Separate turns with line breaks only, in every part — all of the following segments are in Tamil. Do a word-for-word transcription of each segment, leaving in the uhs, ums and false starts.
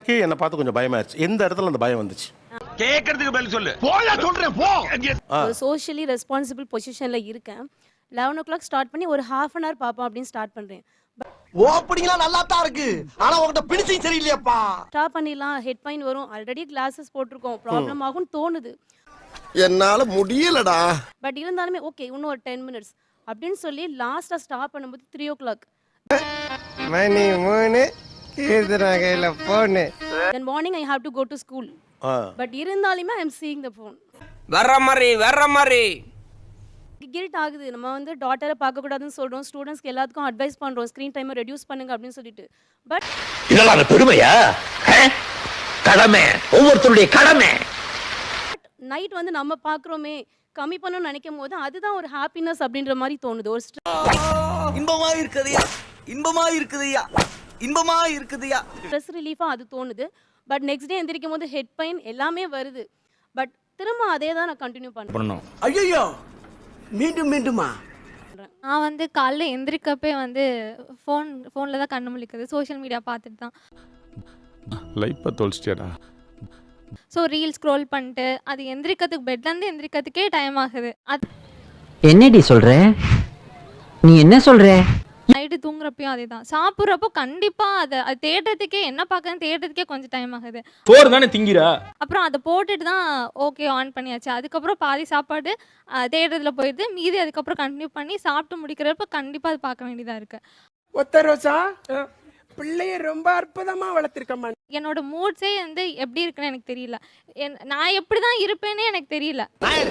என்ன பார்த்து கொஞ்சம் பயமாயிருச்சு. எந்த இடத்துல அந்த பயம் வந்துச்சு?
கேக்குறதுக்கு பதில் சொல்லு. போயா சொல்றேன் போ.
சோஷியலி ரெஸ்பான்சிபிள் பொசிஷன்ல இருக்கேன். லெவன் ஓ கிளாக் ஸ்டார்ட் பண்ணி ஒரு ஹாஃப் அன் ஹவர் பாப்போம் அப்படின்னு ஸ்டார்ட் பண்றேன்.
ஓப்பனிங்லாம் நல்லா தான் இருக்கு. ஆனா உன்கிட்ட பினிஷிங் சரியில்லையாப்பா.
ஸ்டாப் பண்ணிடலாம், ஹெட் பெயின் வரும், ஆல்ரெடி கிளாஸஸ் போட்டிருக்கோம், ப்ராப்ளம் ஆகும்னு தோணுது.
என்னால முடியலடா.
பட் இருந்தாலுமே ஓகே இன்னும் ஒரு டென் மினிட்ஸ் அப்படின்னு சொல்லி லாஸ்டா ஸ்டாப் பண்ணும்போது த்ரீ ஓ கிளாக்
மணி மூணு கீர்த்தனா கையில phone.
Then morning I have to go to school. But இருந்தாலுமே I am seeing the phone.
வர்ற மாதிரி வர்ற மாதிரி
கில்ட் ஆகுது. நம்ம வந்து டாட்டரை பார்க்க கூடாதுன்னு சொல்றோம், ஸ்டூடெண்ட்ஸ்க்கு எல்லாத்துக்கும் அட்வைஸ் பண்றோம் ஸ்கிரீன் டைமை ரெடியூஸ் பண்ணுங்க அப்படின்னு சொல்லிட்டு. பட்
இதெல்லாம் பெருமையா? கடமை, ஒவ்வொருத்தருடைய கடமை.
நைட் வந்து நம்ம பார்க்குறோமே கம்மி பண்ணணும்னு நினைக்கும் போது அதுதான் ஒரு ஹாப்பினஸ் அப்படின்ற மாதிரி தோணுது. ஒரு
இன்பமா இருக்குதுயா, இன்பமா இருக்குதுயா, இன்பமா இருக்குதுயா.
ஸ்ட்ரெஸ் ரிலீஃபாக அது தோணுது. பட் நெக்ஸ்ட் டே எந்திரிக்கும் போது ஹெட் பெயின் எல்லாமே வருது. பட் திரும்ப அதே தான் நான் கண்டினியூ பண்ணுறேன்.
ஐயோ மீண்டும் மீண்டுமா?
நான் வந்து காலைல எந்திரிக்கப்பே வந்து ஃபோன் ஃபோனில் தான் கண்ணு முழிக்குது, சோஷியல் மீடியா பார்த்துட்டு தான்.
லைஃப்பை தொலைச்சிட்டியாடா.
ஸோ ரீல் ஸ்க்ரோல் பண்ணிட்டு அது எந்திரிக்கிறதுக்கு பெட்லேருந்து எந்திரிக்கிறதுக்கே டைம் ஆகுது. அது
என்னடி சொல்ற? நீ என்ன சொல்ற?
நைட்டு தூங்குறப்பையும் அதே தான். சாப்பிட்றப்போ கண்டிப்பாக அதை அது தேடுறதுக்கே என்ன பார்க்கறதுன்னு தேடுறதுக்கே கொஞ்சம் டைம் ஆகுது.
சோறு தானே திங்கிறா.
அப்புறம் அதை போட்டுட்டு தான் ஓகே ஆன் பண்ணியாச்சு. அதுக்கப்புறம் பாதி சாப்பாடு தேடுறதுல போயிடுது, மீதி அதுக்கப்புறம் கண்டினியூ பண்ணி சாப்பிட்டு முடிக்கிறப்ப கண்டிப்பாக அது பார்க்க வேண்டியதாக இருக்குது.
ஒத்த ரோசா பிள்ளைய ரொம்ப அற்புதமா வளர்த்திருக்கம்மா.
என்னோட மூட்ஸே வந்து எப்படி இருக்குன்னு எனக்கு தெரியல. நான் எப்படி தான் இருப்பேனே எனக்கு தெரியல.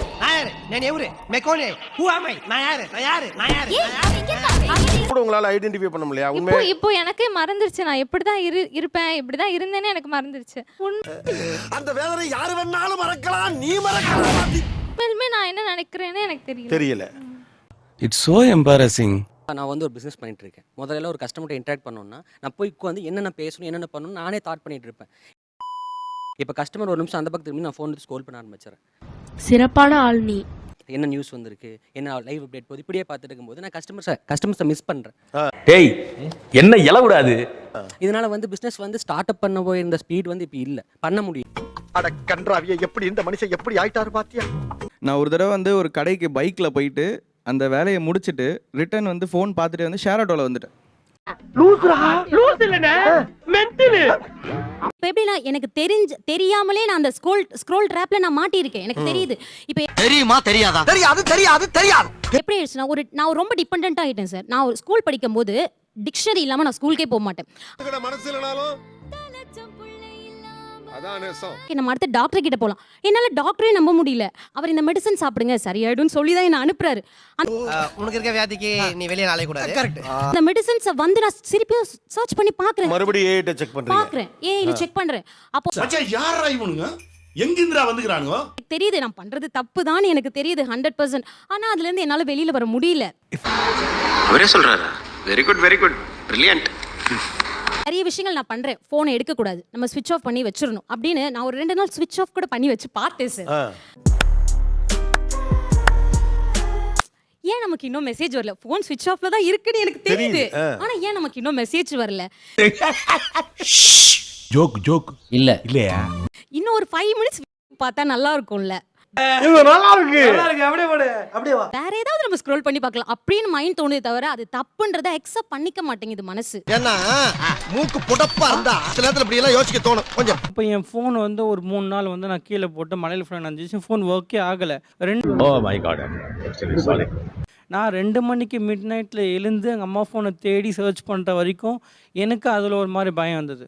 கூட உங்களால ஐடென்டிஃபை பண்ண முடியல.
இப்போ இப்போ எனக்கே மறந்துருச்சு நான் எப்படி தான் இரு இருப்பேன் இப்படி தான் இருந்தேனே எனக்கு மறந்துருச்சு.
அந்த வேதனை யாரு வேணாலும் மறக்கலாம், நீ மறக்கலாம்.
உண்மையிலுமே நான் என்ன நினைக்கிறேன்னு எனக்கு தெரியல
தெரியல.
It's so embarrassing.
நான் வந்து ஒரு பிஸ்னஸ் பண்ணிட்டு இருக்கேன். முதல்ல ஒரு கஸ்டமர்கிட்ட இன்டராக்ட் பண்ணணும்னா நான் போய் உட்காந்து என்னென்ன பேசணும் என்னென்ன பண்ணணும் நானே தாட் பண்ணிட்டு இருப்பேன். இப்போ கஸ்டமர் ஒரு நிமிஷம் அந்த பக்கத்து திரும்பி நான் ஃபோன் எடுத்து ஸ்க்ரோல் பண்ண ஆரம்பிச்சிடறேன்.
சிறப்பான ஆள் நீ.
என்ன நியூஸ் வந்திருக்கு, என்ன லைவ் அப்டேட் போகுது, இப்படியே பார்த்துட்டு இருக்கும்போது நான் கஸ்டமர்ஸை கஸ்டமர்ஸை மிஸ் பண்ணுறேன்.
டேய் என்ன இலவிடாது.
இதனால வந்து பிஸ்னஸ் வந்து ஸ்டார்ட் அப் பண்ண போயிருந்த ஸ்பீட் வந்து இப்போ இல்லை, பண்ண முடியும்.
அட கன்றாவிய, எப்படி இந்த மனுஷன் எப்படி ஆயிட்டாரு பாத்தியா?
நான் ஒரு தடவை வந்து ஒரு கடைக்கு பைக்கில் போயிட்டு அந்த வேலையை முடிச்சுட்டு ரிட்டர்ன் வந்து ஃபோன் பார்த்துட்டு வந்து ஷேர் ஆட்டோவில் வந்துட்டேன்.
எப்படின்னா எனக்கு தெரிஞ்ச தெரியாமலே நான் அந்த ஸ்க்ரோல் ஸ்க்ரோல் ட்ராப்ல நான் மாட்டியிருக்கேன். எனக்கு தெரியுது. இப்போ
தெரியுமா தெரியாதா? தெரியாது தெரியாது தெரியாது.
எப்படி ஆயிடுச்சுன்னா ஒரு நான் ரொம்ப டிபெண்டன்ட் ஆகிட்டேன் சார். நான் ஒரு ஸ்கூல் படிக்கும் போது டிக்ஷனரி இல்லாமல் நான் ஸ்கூலுக்கே போக மாட்டேன். நம்ம அடுத்த டாக்டர் கிட்ட போகலாம், என்னால் டாக்டரே நம்ப முடியல. அவர் இந்த மெடிசன் சாப்பிடுங்க சரியாயிடும்னு சொல்லி தான் என்ன அனுப்புறாரு.
உனக்கு இருக்க வியாதிக்கு நீ வெளியே நாளை கூடாது. கரெக்ட்.
அந்த மெடிசன்ஸை வந்து நான் திருப்பியும் சர்ச் பண்ணி பார்க்குறேன்,
மறுபடியும் ஏஐ செக் பண்றீங்க.
பார்க்குறேன் ஏஐல செக் பண்றேன். அப்போ
யாரா இவனுங்க எங்கிந்திரா வந்துக்கறானுங்க?
தெரியுது நான் பண்றது தப்பு தான் எனக்கு தெரியுது ஹண்ட்ரட் பர்சன்ட். ஆனா அதுல இருந்து என்னால வெளியில வர முடியல.
அவரே சொல்றாரா? Very good very good brilliant.
நிறைய விஷயங்கள் நான் பண்றேன், போனை எடுக்க கூடாது, நம்ம ஸ்விட்ச் ஆஃப் பண்ணி வச்சிரணும் அப்படின்னு நான் ஒரு ரெண்டு நாள் ஸ்விட்ச் ஆஃப் கூட பண்ணி வச்சு பார்த்தேன் சார். ஏன் நமக்கு இன்னும் மெசேஜ் வரல? போன் ஸ்விட்ச் ஆஃப்ல தான் இருக்குன்னு எனக்கு தெரியுது, ஆனா ஏன் நமக்கு இன்னும் மெசேஜ் வரல?
ஜோக் ஜோக்
இல்ல
இல்லையா?
இன்னும் ஒரு ஃபைவ் மினிட்ஸ் பார்த்தா நல்லா இருக்கும்ல.
இது நல்லா இருக்கு.
நல்லா இருக்கு. அப்படியே போடு. அப்படியே வா.
வேற ஏதாவது நம்ம ஸ்க்ரோல் பண்ணி பார்க்கலாம் அப்படின்னு மைண்ட் தோணுதே தவிர அது தப்புன்றதை அக்செப்ட் பண்ணிக்க மாட்டேங்குது மனசு.
ஏன்னா மூக்கு புடப்பா இருந்தா சில நேரத்துல இப்படி எல்லாம் யோசிக்க தோணும் கொஞ்சம்.
இப்போ என் ஃபோன் வந்து ஒரு மூணு நாள் வந்து நான் கீழே போட்டு மலையில் ஃபோன் நஞ்சிச்சு, ஃபோன் ஒர்க்கே ஆகலை. ரெண்டு
ஓ மை காட் சாரி.
நான் ரெண்டு மணிக்கு மிட் நைட்டில் எழுந்து எங்கள் அம்மா ஃபோனை தேடி சர்ச் பண்ணுற வரைக்கும் எனக்கு அதில் ஒரு மாதிரி பயம் வந்தது.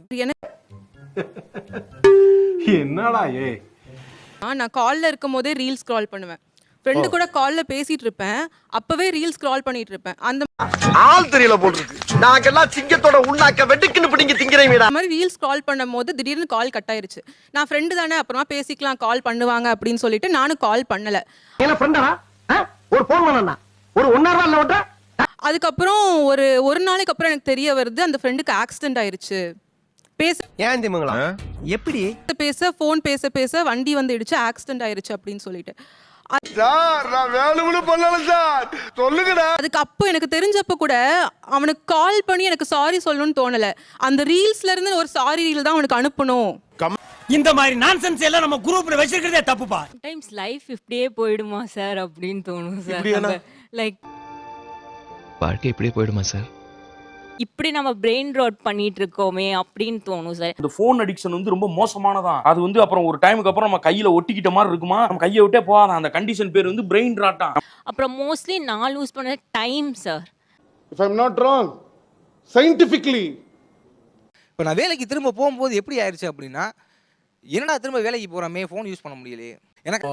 என்னடா ஏ?
நான் காலில் இருக்கும் போதே ரீல் ஸ்க்ரால் பண்ணுவேன். ஃப்ரெண்டு கூட காலில் பேசிட்டு இருப்பேன், அப்பவே ரீல் ஸ்க்ரால் பண்ணிட்டு இருப்பேன். அந்த
ஆள் தெரியல போட்டுருக்கு. நாங்கெல்லாம் சிங்கத்தோட உண்ணாக்க வெட்டுக்குன்னு பிடிங்க திங்கிறீங்கடா.
மாதிரி ரீல் ஸ்க்ரால் பண்ணும் போது திடீர்னு கால் கட் ஆயிருச்சு. நான் ஃப்ரெண்டு தானே அப்புறமா பேசிக்கலாம் கால் பண்ணுவாங்க அப்படின்னு சொல்லிட்டு நானும் கால் பண்ணல.
என்ன ஃப்ரெண்டா? ஒரு ஃபோன் பண்ணனா ஒரு ஒன்னரை நாள்ல ஓட்ட.
அதுக்கப்புறம் ஒரு ஒரு நாளைக்கு அப்புறம் எனக்கு தெரிய வருது அந்த ஃப்ரெண்டுக்கு ஆக்சிடென்ட் ஆயிருச்சு. பேச
ஏன் திமுங்களா எப்படி
பேச ஃபோன் பேச பேச வண்டி வந்து இடிச்சு ஆக்சிடென்ட் ஆயிருச்சு அப்படின்னு சொல்லிட்டு
சார் நான் வேணும்னு பண்ணல சார், சொல்லுங்கடா.
அதுக்கு அப்போ எனக்கு தெரிஞ்சப்ப கூட அவனுக்கு கால் பண்ணி எனக்கு சாரி சொல்லணும்னு தோணல. அந்த ரீல்ஸ்ல இருந்து ஒரு சாரி ரீல் தான் அவனுக்கு அனுப்பணும்.
இந்த மாதிரி நான்சென்ஸ் எல்லாம் நம்ம குரூப்ல வச்சிருக்கிறதே தப்புப்பா.
டைம்ஸ் லைஃப் இப்படியே போயிடுமா சார் அப்படின்னு தோணும்
இப்படியானா?
சார். லைக்
வாழ்க்கை இப்படியே போயிடுமா சார்?
இப்படி நம்ம பிரெயின் ரோட் பண்ணிட்டு இருக்கோமே அப்படின்னு தோணும் சார்.
இந்த ஃபோன் அடிக்ஷன் வந்து ரொம்ப மோசமானதான். அது வந்து அப்புறம் ஒரு டைமுக்கு அப்புறம் நம்ம கையில ஒட்டிக்கிட்ட மாதிரி இருக்குமா, நம்ம கையை விட்டே போகாத. அந்த கண்டிஷன் பேர் வந்து பிரெயின் ராட்டான்.
அப்புறம் மோஸ்ட்லி நான் லூஸ் பண்ண time sir.
If I am not wrong, scientifically
இப்போ நான் வேலைக்கு திரும்ப போகும்போது எப்படி ஆயிடுச்சு அப்படின்னா, என்னடா திரும்ப வேலைக்கு போகிறோமே, ஃபோன் யூஸ் பண்ண முடியலையே. எனக்கு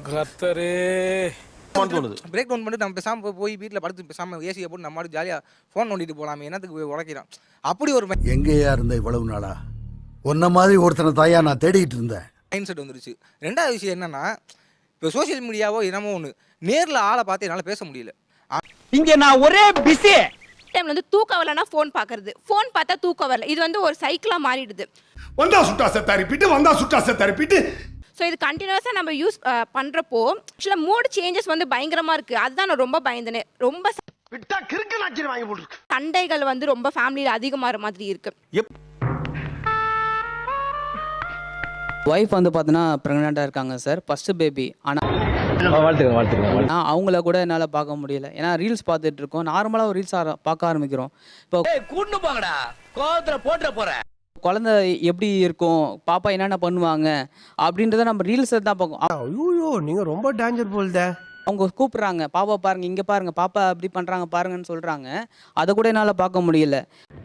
தோணுது.
பிரேக் டவுன் பண்ணிட்டு நம்ம பேசாமல் போய் வீட்டில் படுத்து பேசாமல் ஏசியை போட்டு நம்ம ஜாலியாக ஃபோன் நோண்டிட்டு போகலாமே, என்னத்துக்கு போய் உடைக்கிறான். அப்படி ஒரு
எங்கேயா இருந்த இவ்வளவு நாளா? உன்ன மாதிரி ஒருத்தனை தாயா நான் தேடிட்டு இருந்தேன்.
மைண்ட் செட் வந்துருச்சு. ரெண்டாவது விஷயம் என்னன்னா, இப்போ சோஷியல் மீடியாவோ என்னமோ ஒன்று, நேரில் ஆளை பார்த்து என்னால் பேச முடியல.
இங்க நான் ஒரே பிஸி.
டைம்ல வந்து தூக்கம் வரலனா ஃபோன் பார்க்கறது, ஃபோன் பார்த்தா தூக்கம் வரல, இது வந்து ஒரு சைக்கிளா மாறிடுது.
வந்தா சுட்டா செத்த ரிப்பீட், வந்தா சுட்டா செத்த ரிப்பீட்.
ஸோ இது கண்டினியூஸாக நம்ம யூஸ் பண்ணுறப்போ ஆக்சுவலாக மூட் சேஞ்சஸ் வந்து பயங்கரமாக இருக்குது. அதுதான் நான் ரொம்ப பயந்தேனே. ரொம்ப
விட்டா கிறுக்கு நாச்சிரி வாங்கி போட்டுருக்கு.
சண்டைகள் வந்து ரொம்ப ஃபேமிலியில் அதிகமாகிற மாதிரி இருக்குது.
ஒய்ஃப் வந்து பார்த்தீங்கன்னா ப்ரெக்னெண்ட்டாக இருக்காங்க சார், ஃபஸ்ட்டு பேபி. ஆனால் ஆனால் அவங்கள கூட என்னால் பார்க்க முடியல. ஏன்னா ரீல்ஸ் பார்த்துட்டு இருக்கோம், நார்மலாக ஒரு ரீல்ஸ் பார்க்க ஆரம்பிக்கிறோம். இப்போ
கூட்டு போங்கடா, கோவத்துல போட்டுற போறேன்.
குழந்தை எப்படி இருக்கும், பாப்பா என்னென்ன பண்ணுவாங்க அப்படின்றத நம்ம ரீல்ஸை தான் பார்க்கும்.
ஐயோ நீங்க ரொம்ப டேஞ்சர் போல்தே.
அவங்க கூப்பிட்றாங்க, பாப்பா பாருங்க, இங்கே பாருங்க, பாப்பா அப்படி பண்ணுறாங்க பாருங்கன்னு சொல்கிறாங்க. அதை கூட என்னால் பார்க்க முடியல.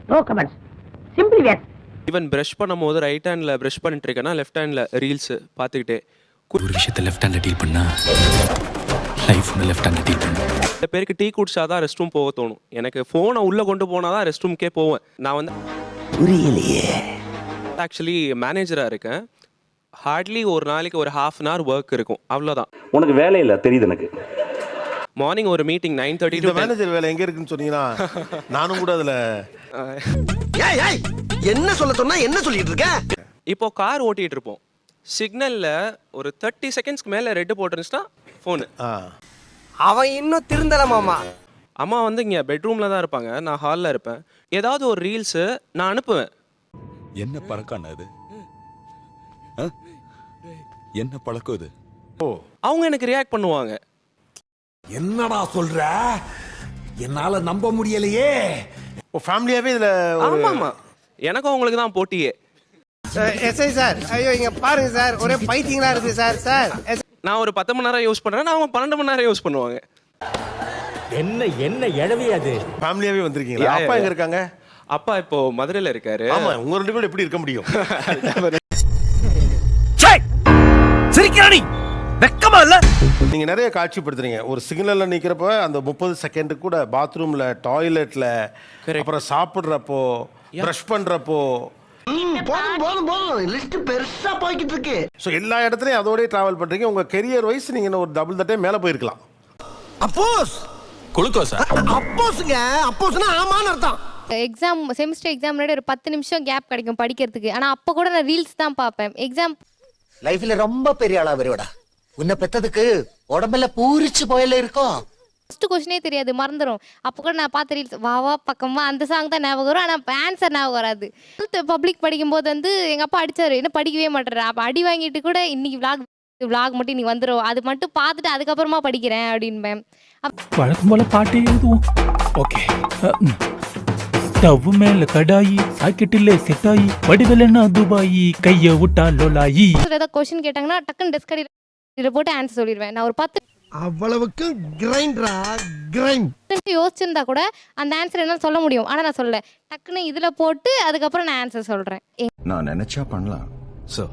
ஈவன் பிரஷ் பண்ணும்போது ரைட் ஹேண்டில் பிரஷ் பண்ணிட்டு இருக்கேன்னா லெஃப்ட் ஹேண்டில் ரீல்ஸ் பார்த்துக்கிட்டே.
ஒரு விஷயத்தை லெஃப்ட் ஹேண்டில் டீல் பண்ணா லைஃப் ஒன்று லெஃப்ட் ஹேண்டில் டீல் பண்ணு.
சில பேருக்கு டீ குடிச்சா தான் ரெஸ்ட் ரூம் போக தோணும். எனக்கு ஃபோனை உள்ளே கொண்டு போனால் தான் ரெஸ்ட் ரூம்க்கே போவேன். நான் வந்து
புரியலையே.
ஆக்சுவலி மேனேஜராக இருக்கேன். ஹார்ட்லி ஒரு நாளைக்கு ஒரு ஹாஃப் அன் ஹவர் ஒர்க் இருக்கும், அவ்வளோதான்.
உனக்கு வேலை இல்லை தெரியுது எனக்கு.
மார்னிங் ஒரு மீட்டிங் நைன் தேர்ட்டி
இந்த மேனேஜர் வேலை எங்க இருக்குன்னு சொன்னீங்கன்னா நானும் கூட அதுல
ஏய் ஏய் என்ன சொல்ல சொன்னா என்ன சொல்லிட்டு இருக்க?
இப்போ கார் ஓட்டிட்டு இருப்போம், சிக்னல்ல ஒரு தேர்ட்டி செகண்ட்ஸ்க்கு மேல ரெட் போட்டுருந்துச்சுன்னா ஃபோனு.
அவன் இன்னும் திருந்தல மாமா.
அம்மா வந்து இங்கே பெட்ரூமில் தான் இருப்பாங்க, நான் ஹாலில் இருப்பேன். ஏதாவது ஒரு ரீல்ஸு நான் அனுப்புவேன்.
என்ன பழக்கம் அது? என்ன பழக்கம் இது?
ஓ, அவங்க எனக்கு ரியாக்ட் பண்ணுவாங்க.
என்னடா சொல்ற? என்னால நம்ப முடியலையே.
ஓ ஃபேமிலியாவே இதுல
ஆமா ஆமா, எனக்கும் அவங்களுக்கு தான் போட்டியே.
எஸ்ஐ சார், ஐயோ இங்க பாருங்க சார், ஒரே பைத்தியங்களா இருக்கு சார். சார்
நான் ஒரு பத்து மணி நேரம் யூஸ் பண்ணுறேன், அவங்க பன்னெண்டு மணி நேரம் யூஸ் பண்ணுவாங்க.
என்ன என்ன எழவே அது?
ஃபேமிலியாவே வந்திருக்கீங்களா? அப்பா எங்க இருக்காங்க?
அப்பா இப்போ மதுரையில் இருக்காரு.
ஆமா, உங்க ரெண்டு பேரும் எப்படி இருக்க முடியும்?
சிரிக்கிறானி வெக்கமா இல்ல?
நீங்க நிறைய காட்சிப்படுத்துறீங்க. ஒரு சிக்னல்ல நிக்கிறப்ப அந்த முப்பது செகண்ட் கூட பாத்ரூம்ல, டாய்லெட்ல, அப்புறம் சாப்பிடுறப்போ, பிரஷ் பண்றப்போ.
போதும் போதும் போதும், லிஸ்ட் பெருசா போய்கிட்டு இருக்கு.
ஸோ எல்லா இடத்துலையும் அதோடய டிராவல் பண்றீங்க. உங்க கெரியர் வைஸ் நீங்க இன்னும் ஒரு டபுள் தட்டே மேலே போயிருக்கலாம்.
அப்போஸ்
குளுக்கோஸா?
அப்போஸ்ங்க, அப்போஸ்னா ஆமான்னு அர்த்தம்.
எக்ஸாம் செமிஸ்டர் எக்ஸாம் முன்னாடி ஒரு பத்து நிமிஷம் கேப் கிடைக்கும் படிக்கிறதுக்கு. ஆனால் அப்போ கூட நான் ரீல்ஸ் தான் பார்ப்பேன். எக்ஸாம்
லைஃப்ல ரொம்ப பெரிய ஆளா வருவடா. உன்னை பெத்ததுக்கு உடம்புல பூரிச்சு போயில இருக்கும்.
ஃபர்ஸ்ட் கொஸ்டினே தெரியாது, மறந்துடும். அப்போ கூட நான் பார்த்த ரீல்ஸ் வா வா பக்கமா அந்த சாங் தான் ஞாபகம் வரும். ஆனால் ஆன்சர் ஞாபகம் வராது. பப்ளிக் படிக்கும்போது வந்து எங்கள் அப்பா அடிச்சாரு, என்ன படிக்கவே மாட்டேறேன். அப்போ அடி வாங்கிட்டு கூட இன்னைக்கு விளாக் விளாக் மட்டும் நீ வந்துடும், அது மட்டும் பார்த்துட்டு அதுக்கப்புறமா படிக்கிறேன் அப்படின்பேன்.
வழக்கம் போல பாட்டு எழுதுவோம். ஓகே. ஸ்டவ் மேல கடாயி, சாக்கெட்டிலே செட்டாயி, வடிவலன்னா துபாயி, கைய விட்டா லோலாயி.
ஏதாவது கொஸ்டின் கேட்டாங்கன்னா டக்குன்னு டெஸ்க் அடியில் போட்டு ஆன்சர் சொல்லிடுவேன். நான் ஒரு பத்து
அவ்வளவுக்கு கிரைண்டரா கிரைண்ட்
யோசிச்சிருந்தா கூட அந்த ஆன்சர் என்னால் சொல்ல முடியும். ஆனால் நான் சொல்ல டக்குன்னு இதில் போட்டு அதுக்கப்புறம் நான் ஆன்சர் சொல்கிறேன்.
நான் நினைச்சா பண்ணலாம் சோ,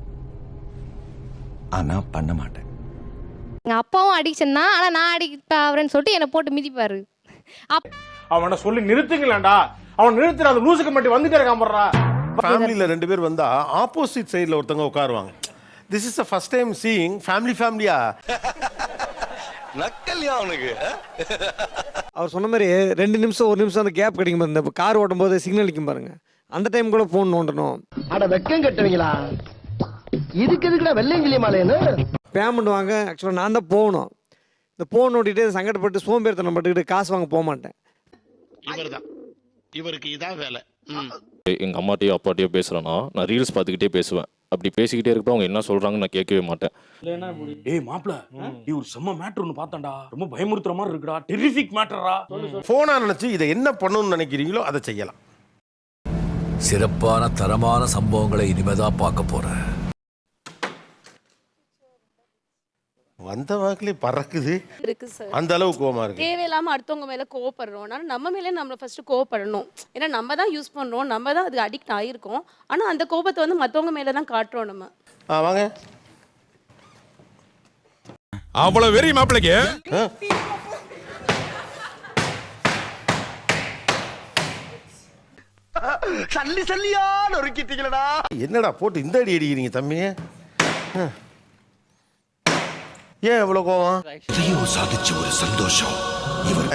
ஆனா பண்ண மாட்டேன்.
எங்கள் அப்பாவும் அடிக்ஷன் தான், ஆனால் நான் அடிக்ட் ஆகிறேன்னு சொல்லிட்டு என்னை போட்டு மிதிப்பாரு. அப்
அவனை சொல்லி நிறுத்துங்களேன்டா. அவன் நிறுத்துற அந்த லூசுக்கு மட்டும் வந்துட்டே இருக்கான் போடுறா.
ஃபேமிலியில் ரெண்டு பேர் வந்தா ஆப்போசிட் சைடில் ஒருத்தவங்க உட்காருவாங்க. This is the first time seeing family ஃபேமிலியா.
நக்கல்யா அவனுக்கு.
அவர் சொன்ன மாதிரி ரெண்டு நிமிஷம் ஒரு நிமிஷம் அந்த கேப் கிடைக்கும். இந்த கார் ஓட்டும் போது சிக்னல் நிற்கும் பாருங்க, அந்த டைம் கூட போன் நோண்டணும்.
அட வெக்கம் கட்டுவீங்களா? இதுக்கு எதுக்குடா வெள்ளையங்கிலி மாலைன்னு?
பேமெண்ட் வாங்க ஆக்சுவலாக நான் தான் போகணும். இந்த ஃபோன் ஓட்டிகிட்டு சங்கடப்பட்டு சோம்பேறித்தனம் பட்டுக்கிட்டு காசு வாங்க போக மாட்டேன்.
இவர்தான் இவருக்கு இதான் வேலை.
எங்கள் அம்மாட்டையோ அப்பாட்டையோ பேசுகிறேன்னா நான் ரீல்ஸ் பார்த்துக்கிட்டே பேசுவேன். அப்படி பேசிக்கிட்டே இருக்கப்போ அவங்க என்ன சொல்கிறாங்கன்னு நான் கேட்கவே மாட்டேன்.
ஏய் மாப்ள நீ ஒரு செம்ம மேட்டர் ஒன்று பார்த்தான்டா, ரொம்ப பயமுறுத்துற மாதிரி இருக்குடா, டெரிஃபிக் மேட்டரா.
ஃபோனா நினைச்சு இதை என்ன பண்ணணும்னு நினைக்கிறீங்களோ அதை செய்யலாம்.
சிறப்பான தரமான சம்பவங்களை இனிமேதான் பார்க்க போறேன்.
வந்த வாக்கிலே பறக்குது
இருக்கு சார்.
அந்த அளவு கோவமா இருக்கு.
தேவையில்லாம அடுத்தவங்க மேல கோவப்படுறோம். ஆனா நம்ம மேலே நம்ம ஃபர்ஸ்ட் கோவப்படணும். ஏன்னா நம்ம தான் யூஸ் பண்றோம், நம்ம தான் அதுக்கு அடிக்ட் ஆயிருக்கோம். ஆனா அந்த கோபத்தை வந்து மத்தவங்க மேல தான் காட்டுறோம் நம்ம.
ஆ வாங்க.
அவ்வளவு வெறி மாப்பிளைக்கு.
சல்லி சல்லியா நொறுக்கிட்டீங்களடா.
என்னடா போட்டு இந்த அடி அடிக்கிறீங்க தம்பியே? ஏன் இவ்வளவு கோவம்?
இதையும் சாதிச்ச ஒரு சந்தோஷம். இவர்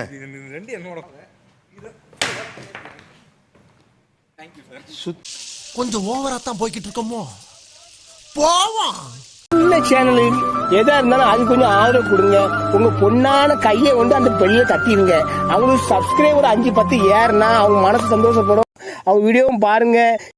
கொஞ்சம் ஓவரா தான் போய்கிட்டு இருக்கோமோ. போவோம்.
சேனல் எதா இருந்தாலும் அது கொஞ்சம் ஆதரவு கொடுங்க. உங்க பொண்ணான கையை வந்து அந்த பெரிய தட்டிடுங்க. அவங்களுக்கு சப்ஸ்கிரைபர் அஞ்சு பத்து ஏறுனா அவங்க மனசு சந்தோஷப்படும். அவங்க வீடியோவும் பாருங்க.